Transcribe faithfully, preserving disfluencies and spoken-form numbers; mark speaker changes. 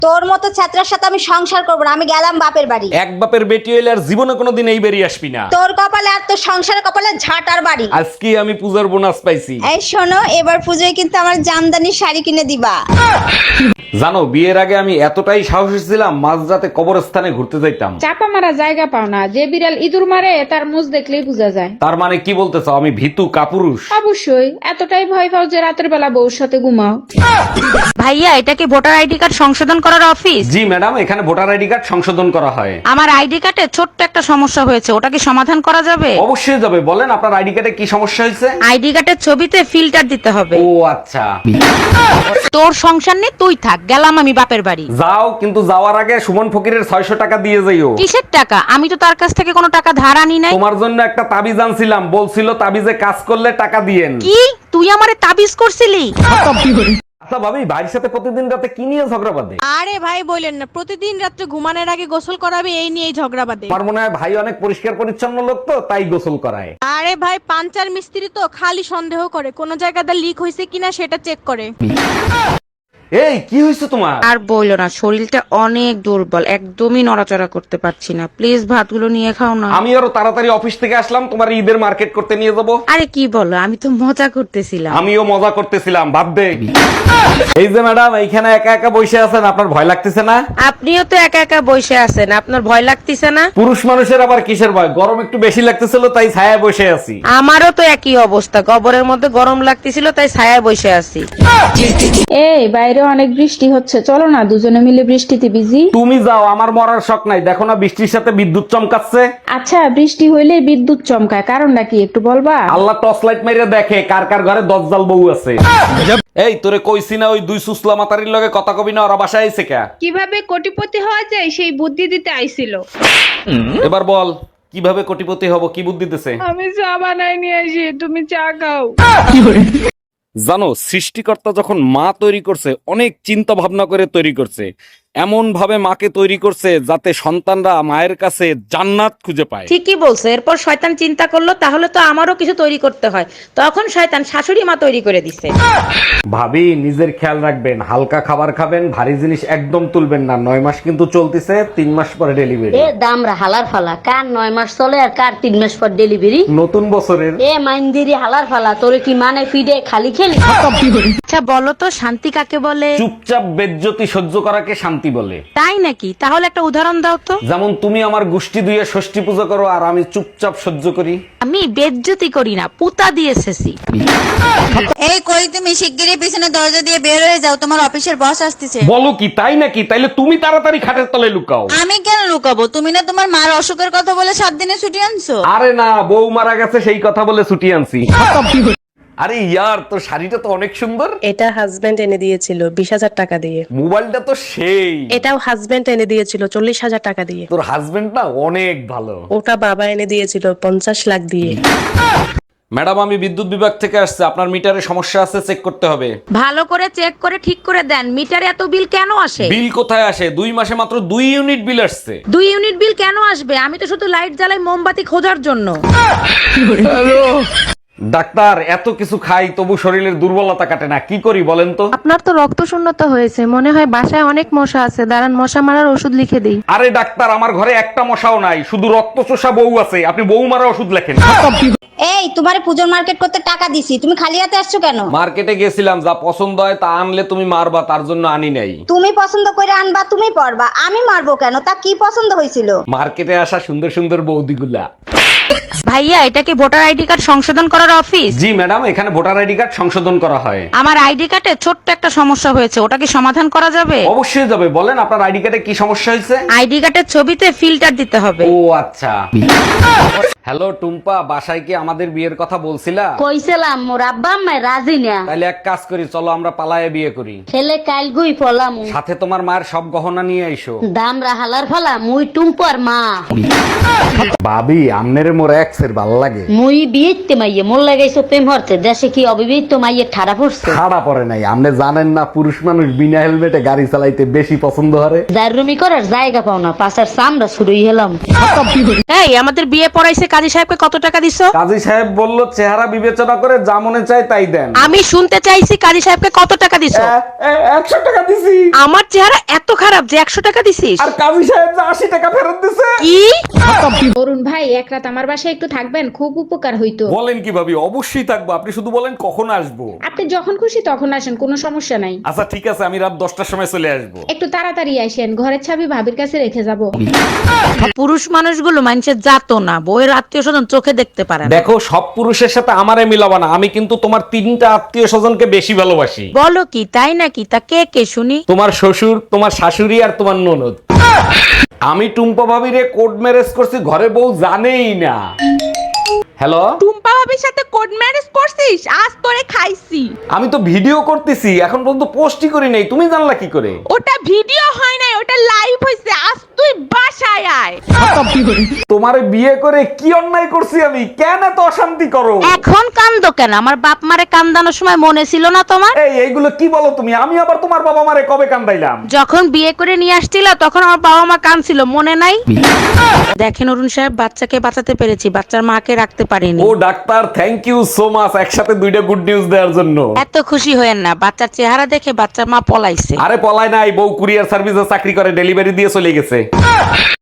Speaker 1: তোর মতো ছাত্রের সাথে আমি সংসার করবো না, আমি গেলাম বাপের বাড়ি।
Speaker 2: এক বাপের বেটি হইলে আর জীবনে কোনোদিন এই বেরিয়ে আসবি না।
Speaker 1: তোর কপালে আর তোর সংসারের কপালে ঝাঁটার বাড়ি।
Speaker 2: আজকে আমি পূজার বোনাস পাইছি।
Speaker 1: এই শোনো, এবার পুজোয় কিন্তু আমার জামদানি শাড়ি কিনে দিবা।
Speaker 2: জানো, বিয়ের আগে আমি এতটাই সাহসী ছিলাম, মাঝরাতে কবরস্থানে ঘুরতে যাইতাম।
Speaker 3: চাপা মারা জায়গা পাও না, যে বিড়াল ইঁদুর মারে তার মুখ দেখলেই বোঝা যায়।
Speaker 2: তার মানে কি বলতে চাও, আমি ভীতু কাপুরুষ?
Speaker 3: অবশ্যই, এতটাই ভয় পাও যে রাতের বেলা বউর সাথে ঘুমাও।
Speaker 4: ভাইয়া, এটা কি ভোটার আইডি কার্ড সংশোধন করার অফিস?
Speaker 2: জি ম্যাডাম, এখানে ভোটার আইডি কার্ড সংশোধন করা হয়।
Speaker 4: আমার আইডি কার্ডে ছোট্ট একটা সমস্যা হয়েছে, ওটা কি সমাধান করা যাবে?
Speaker 2: অবশ্যই যাবে, বলেন আপনার আইডি কার্ডে কি সমস্যা হয়েছে?
Speaker 4: আইডি কার্ডের ছবিতে ফিল্টার দিতে হবে।
Speaker 2: ও আচ্ছা।
Speaker 4: তোর সংসার নেই, তুই থাক, গেলাম আমি বাপের বাড়ি।
Speaker 2: যাও, কিন্তু যাওয়ার আগে সুমন ফকিরের ছয়শো টাকা দিয়ে যাইও।
Speaker 4: কিসের টাকা? আমি তো তার কাছ থেকে কোনো টাকা ধার আনি নাই।
Speaker 2: তোমার জন্য একটা তাবিজ আনছিলাম, বলছিল তাবিজে কাজ করলে টাকা দিয়েন।
Speaker 4: কি তুই আমারে তাবিজ করছিলি?
Speaker 2: আচ্ছা ভাবি, ভাইয়ের সাথে প্রতিদিন রাতে কি নিয়ে ঝগড়া বাঁধে?
Speaker 5: আরে ভাই বলেন না, প্রতিদিন রাত্রে ঘুমানোর আগে গোসল করাবে, এই নিয়েই ঝগড়া বাঁধে।
Speaker 2: আমার মনে হয় ভাই অনেক পরিষ্কার পরিচ্ছন্ন লোক, তো তাই গোসল করায়।
Speaker 5: আরে ভাই, পাঞ্চার মিস্ত্রি তো খালি সন্দেহ করে কোন জায়গাতে লিক হয়েছে কিনা সেটা চেক করে।
Speaker 2: এই কি হয়েছে তোমার?
Speaker 4: আর বইলো না, শরীরটা অনেক দুর্বল, একদমই নড়াচড়া করতে পারছি না। প্লিজ ভাতগুলো নিয়ে খাও না।
Speaker 2: আমি আরো তাড়াতাড়ি অফিস থেকে আসলাম, তোমার ঈদের মার্কেট করতে নিয়ে যাবো।
Speaker 4: আরে কি বলো, আমি তো মজা করতেছিলাম।
Speaker 2: আমিও মজা করতেছিলাম, ভাব দে। এই যে ম্যাডাম, এইখানে একা একা বসে আছেন, আপনার ভয় লাগতেছে না?
Speaker 4: আপনিও তো একা একা বসে আছেন, আপনার ভয় লাগতেছে না?
Speaker 2: পুরুষ মানুষের আবার কিসের ভয়? গরম একটু বেশি লাগতেছিল, তাই ছায়ায় বসে আছি।
Speaker 4: আমারও তো একই অবস্থা, কবরের মধ্যে গরম লাগতেছিল, তাই ছায়ায় বসে আছি।
Speaker 3: এই বাইরে অনেক বৃষ্টি হচ্ছে, চলো না দুজনে মিলে বৃষ্টিতে ভিজি।
Speaker 2: তুমি যাও, আমার মরার শখ নাই। দেখো না বৃষ্টির সাথে বিদ্যুৎ চমকাচ্ছে।
Speaker 3: আচ্ছা, বৃষ্টি হইলে বিদ্যুৎ চমকায়, কারণটা কি একটু বলবা?
Speaker 2: আল্লাহ টর্চ লাইট মেরে দেখে কার কার ঘরে দজ্জাল বউ আছে। এই তোরে কইছি না, ওই দুই সুসলা মাতারির লগে কথা কবি না, ওরা বাসায় আইছে কে?
Speaker 3: কিভাবে কোটিপতি হওয়া যায় সেই বুদ্ধি দিতে আইছিল।
Speaker 2: এবার বল, কিভাবে কোটিপতি হব, কি বুদ্ধি দিতেছে?
Speaker 3: আমি চা বানাই নিয়ে আসি, তুমি চা খাও।
Speaker 2: জানো, সৃষ্টিকর্তা যখন মা তৈরি করছে, অনেক চিন্তা ভাবনা করে তৈরি করছে। এমন ভাবে মাকে তৈরি করছে যাতে সন্তানরা মায়ের কাছে জান্নাত খুঁজে পায়।
Speaker 4: ঠিকই বলছো। এরপর শয়তান চিন্তা করলো, তাহলে তো আমারও কিছু তৈরি করতে হয়। তখন শয়তান শাশুড়ি মা তৈরি করে দিছে।
Speaker 2: ভাবি, নিজের খেয়াল রাখবেন, হালকা খাবার খাবেন, ভারী জিনিস একদম তুলবেন না। নয় মাস কিন্তু চলতেছে, তিন মাস পরে ডেলিভারি।
Speaker 6: এ দামরা হালার ফালা, কার নয় মাস চলে আর কার তিন মাস পর ডেলিভারি।
Speaker 2: নতুন বছরের
Speaker 6: এ মাইন্দিরি হালার ফালা, তোরে কি মানে পিডে খালি খেলি?
Speaker 4: আচ্ছা বলো তো, শান্তি কাকে বলে?
Speaker 2: চুপচাপ বেজ্জতি সহ্য করাকে শান্তি বলে।
Speaker 4: তাই নাকি? তাহলে একটা উদাহরণ দাও তো।
Speaker 2: যেমন তুমি আমার গোষ্ঠী দুইয়ে ষষ্ঠী পূজা করো, আর আমি চুপচাপ সহ্য করি।
Speaker 4: আমি বেজ্জতি করি না, পুতা দিয়ে এসেছি।
Speaker 1: এই কই, তুমি শিগগিরই পিছনে দরজা দিয়ে বের হয়ে যাও, তোমার অফিসের বস আসতেছে।
Speaker 2: বলো কি, তাই নাকি? তাইলে তুমি তাড়াতাড়ি খাটের তলে লুকাও।
Speaker 1: আমি কেন লুকাবো? তুমি না তোমার মার অসুখের কথা বলে সাত দিনে ছুটি আনছো।
Speaker 2: আরে না, বউ মারা গেছে সেই কথা বলে ছুটি আনছি। আরে ইয়ার, তোর শাড়িটা তো অনেক সুন্দর।
Speaker 7: এটা হাজবেন্ড এনে দিয়েছিল বিশ হাজার টাকা দিয়ে।
Speaker 2: মোবাইলটা তো সেই।
Speaker 7: এটাও হাজবেন্ড এনে দিয়েছিল চল্লিশ হাজার টাকা দিয়ে।
Speaker 2: তোর হাজবেন্ড না অনেক ভালো।
Speaker 7: ওটা বাবা এনে দিয়েছিল পঞ্চাশ লাখ দিয়ে।
Speaker 2: ম্যাডাম, আমি বিদ্যুৎ বিভাগ থেকে আসছে, আপনার মিটারে সমস্যা আছে, চেক করতে হবে।
Speaker 4: ভালো করে চেক করে ঠিক করে দেন। মিটারে এত বিল কেন আসে?
Speaker 2: বিল কোথায় আসে? দুই মাসে মাত্র দুই ইউনিট বিল আসছে।
Speaker 4: দুই ইউনিট বিল কেন আসবে? আমি তো শুধু লাইট জ্বালাই মোমবাতি খোঁজার জন্য।
Speaker 2: ডাক্তার, এত কিছু খাই তবু শরীরের দুর্বলতা কাটে না, কি করি বলেন তো?
Speaker 8: আপনার তো রক্ত শূন্যতা হয়েছে, মনে হয় বাসায় অনেক মশা আছে, দাঁড়ান মশা মারার ওষুধ লিখে দিই।
Speaker 2: আরে ডাক্তার, আমার ঘরে একটা মশাও নাই, শুধু রক্ত চোষা বউ আছে, আপনি বউ মারা ওষুধ লেখেন।
Speaker 1: এই, তোমার পুজোর মার্কেট করতে টাকা দিছি, তুমি খালি হাতে আসছো কেন?
Speaker 2: মার্কেটে গেছিলাম, যা পছন্দ হয় তা আনলে তুমি মারবা, তার জন্য আনি নাই।
Speaker 1: তুমি পছন্দ করে আনবা, তুমি পরবা, আমি মারবো কেন? তা কি পছন্দ হয়েছিল?
Speaker 2: মার্কেটে আসা সুন্দর সুন্দর বৌদিগুলা।
Speaker 4: ভাইয়া, এটা কি ভোটার আইডি কার্ড সংশোধন করার অফিস?
Speaker 2: জি ম্যাডাম, এখানে ভোটার আইডি কার্ড সংশোধন করা হয়।
Speaker 4: আমার আইডি কার্ডে ছোট্ট একটা সমস্যা হয়েছে, ওটা কি সমাধান করা যাবে?
Speaker 2: অবশ্যই যাবে, বলেন আপনার আইডি কার্ডে কি সমস্যা হয়েছে?
Speaker 4: আইডি কার্ডের ছবিতে ফিল্টার দিতে হবে।
Speaker 2: ও আচ্ছা। হ্যালো টুম্পা, বাসায় কি আমাদের বিয়ের কথা বলছিলা?
Speaker 6: কইছিলাম মোর আব্বা আম্মা রাজি না।
Speaker 2: তাহলে এক কাজ করি, চলো আমরা পালায়ে বিয়ে করি।
Speaker 6: ছেলে কাল গুই ফলাম,
Speaker 2: সাথে তোমার মায়ের সব গহনা নিয়ে আইসো।
Speaker 6: দামরা হালার ফালা, মুই টুম্পর মা।
Speaker 2: ভাবি, আমনের মোর এক্সের ভাল লাগে।
Speaker 6: মুই বিয়েতে মাইয়ে মোর লাগাইছো প্রেম হরতে, দেশে কি অবিবাহিত মাইয়ে ঠাড়া পড়ছে?
Speaker 2: খাড়া পড়ে নাই, আপনি জানেন না পুরুষ মানুষ বিনা হেলমেটে গাড়ি চালাইতে বেশি পছন্দ করে।
Speaker 6: দারুমি করার জায়গা পাও না, পাশার চামড়া শুরুই হলাম।
Speaker 4: এই, আমাদের বিয়ে পড়াইছে কাল কাজী সাহেবকে কত টাকা দিছো?
Speaker 2: কাজী সাহেব বলল চেহারা বিবেচনা করে যা মনে চায় তাই দেন।
Speaker 4: আমি শুনতে চাইছি কাজী সাহেবকে কত টাকা দিছো?
Speaker 2: একশো টাকা দিছি।
Speaker 4: আমার চেহারা এত খারাপ যে একশো টাকা দিছিস?
Speaker 2: আর কাজী সাহেব যে আশি টাকা ফেরত দিছে।
Speaker 4: কি?
Speaker 3: অরুণ ভাই এক রাত আমার বাসায় একটু থাকবেন, খুব উপকার হইতো।
Speaker 2: বলেন কি ভাবি, অবশ্যই থাকবো, আপনি শুধু বলেন কখন আসবো।
Speaker 3: আপনি যখন খুশি তখন আসেন, কোনো সমস্যা নাই।
Speaker 2: আচ্ছা ঠিক আছে, আমি রাত দশটার সময় চলে আসবো।
Speaker 3: একটু তাড়াতাড়ি আসেন, ঘরের চাবি ভাবির কাছে রেখে যাব।
Speaker 4: পুরুষ মানুষগুলো মানুষের জাতো না, বউয়ের আত্মীয় স্বজন চোখে দেখতে পারে না।
Speaker 2: দেখো সব পুরুষের সাথে আমারে মিলাবা না, আমি কিন্তু তোমার তিনটা আত্মীয় স্বজনকে বেশি ভালোবাসি।
Speaker 4: বলো কি, তাই নাকি? তা কে কে শুনি?
Speaker 2: তোমার শ্বশুর, তোমার শাশুড়ি আর তোমার ননদ। আমি টুম্পা ভাবিরে কোর্ট ম্যারেজ করছি, ঘরে বউ জানেই না। হ্যালো,
Speaker 5: টুম্পা ভাবির সাথে কোড ম্যারেজ করছিস? আজ তোরে খাইছি।
Speaker 2: আমি তো ভিডিও করতেছি, এখন পর্যন্ত পোস্টই করি নাই, তুমি জানলা কি করে?
Speaker 5: ওটা ভিডিও হয় নাই, ওটা লাইভ হইছে। আজ তুই বাসায় আয়।
Speaker 2: তোমারে বিয়ে করে কি অন্যায় করছি আমি? কেন এত অশান্তি করো?
Speaker 4: এখন কান্দো কেন? আমার বাপ মারে কান্দানোর সময় মনে ছিল না তোমার?
Speaker 2: এই এইগুলো কি বলো তুমি? আমি আবার তোমার বাবা মারে কবে কান্দাইলাম?
Speaker 4: যখন বিয়ে করে নিয়ে আসছিল তখন আমার বাবা মা কাঁদছিল, মনে নাই? দেখেন অরুণ সাহেব, বাচ্চাকে বাঁচাতে পেরেছি, বাচ্চার মাকে রাখতে পারিনি।
Speaker 2: ও doctor, thank you so much, একসাথে দুইটা গুড নিউজ দেওয়ার জন্য।
Speaker 4: এত খুশি হয়েন না, বাচ্চার চেহারা দেখে বাচ্চার মা পলাইছে।
Speaker 2: আরে পলায় নাই, বউ কুরিয়ার সার্ভিসে চাকরি করে, ডেলিভারি দিয়ে চলে গেছে।